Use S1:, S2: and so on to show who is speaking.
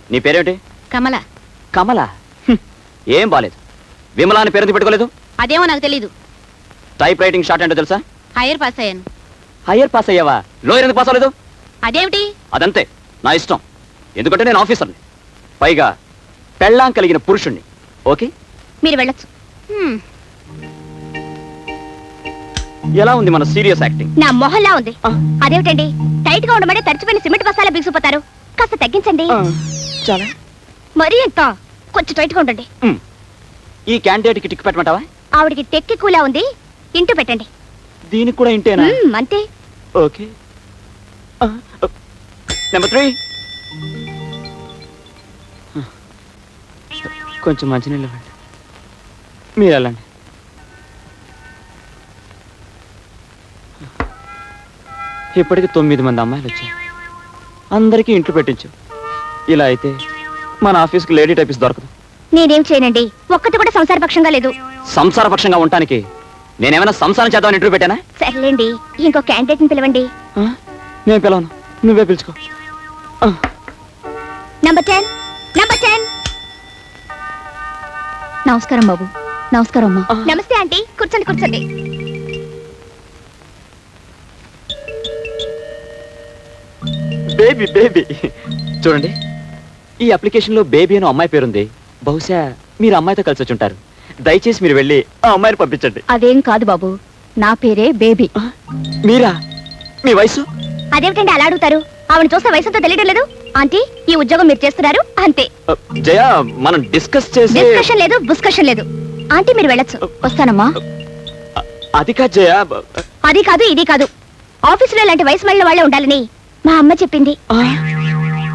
S1: నీ పేరేమిటి?
S2: కమల.
S1: కమల? ఏం బాలేదు. విమలా అని పేరు పెట్టుకోలేదు?
S2: అదేమో నాకు తెలీదు.
S1: టైప్ రైటింగ్ షార్ట్ ఏంటో తెలుసా?
S2: హైయర్ పాస్ అయ్యాను.
S1: హైయర్ పాస్ అయ్యావా? లోయర్ ఎందుకు పాస్ అవ్వలేదు?
S2: అదేమిటి?
S1: అదంతే, నా ఇష్టం. ఎందుకంటే నేను ఆఫీసర్ని, పైగా పెళ్ళాం కలిగిన పురుషుణ్ణి. ఓకే,
S2: మీరు వెళ్ళొచ్చు.
S1: ఎలా ఉంది మన సీరియస్ యాక్టింగ్?
S2: నా మొహల్లా ఉంది. అదేమిటండి, టైట్ గా ఉండమని తడిచిపోయిన సిమెంట్ బస్తాలా బిగిసిపోతారు. కాస్త తగ్గించండి.
S1: చాలా
S2: మరీ ఎంత, కొంచెం టైట్ గా ఉండండి.
S1: ఈ క్యాండిడేట్ కి టిక్ పెట్టమంటావా?
S2: ఆవిడికి టెక్కి కూలా ఉంది, ఇంటూ పెట్టండి.
S1: దీనికి కూడా ఇంటేనా?
S2: అంతే.
S1: ఓకే. నెంబర్ 3. కొంచెం మంచినీళ్ళు ఇవ్వండి. మీరు వెళ్ళండి. ఇప్పటికి 9 మంది అమ్మాయిలు వచ్చారు. అందరికీ ఇంట్లో పెట్టించు. ఇలా అయితే మన ఆఫీస్కి లేడీ టైపిస్ట్ దొరకదు.
S2: నేనేం చేయనండి, ఒక్కటి కూడా సంసారపక్షంగా లేదు.
S1: సంసారపక్షంగా ఉండటానికి నేనేమైనా సంసారం చేద్దామని ఇంటర్వ్యూ పెట్టానా?
S2: సర్లేండి, ఇంకో క్యాండిడేట్ ని పిలవండి.
S1: నేను పిలవను, నువ్వే పిలుచుకో.
S2: నంబర్ 10. నమస్కారం బాబు. నమస్కారం అమ్మా. నమస్తే ఆంటీ, కూర్చోండి కూర్చోండి.
S1: బేబీ బేబీ చూడండి, ఈ అప్లికేషన్ లో బేబీ అని అమ్మాయి పేరుంది. బహుశా మీరు అమ్మాయితో కలిసి వచ్చి ఉంటారు. దయచేసి మీరు వెళ్ళి ఆ అమ్మాయిని పంపించండి.
S2: అదేం కాదు బాబు, నా పేరే బేబీ.
S1: మీరా? మీ వయసు?
S2: అదేమిటండి అలా అడుగుతారు? ఆవిడ చూస్తే వయసుతో తెలియడం లేదు. ఆంటీ, ఈ ఉద్యోగం మీరు చేస్తున్నారు అంతే.
S1: జయ, మనం డిస్కస్ చేసి.
S2: డిస్కషన్ లేదు, బుస్కషన్ లేదు. ఆంటీ మీరు వెళ్ళొచ్చు. వస్తానమ్మా.
S1: అది కాదు జయ.
S2: అది కాదు, ఇది కాదు. ఆఫీసులో ఇలాంటి వయసు మళ్ళీ వాళ్ళే ఉండాలని మా అమ్మ చెప్పింది.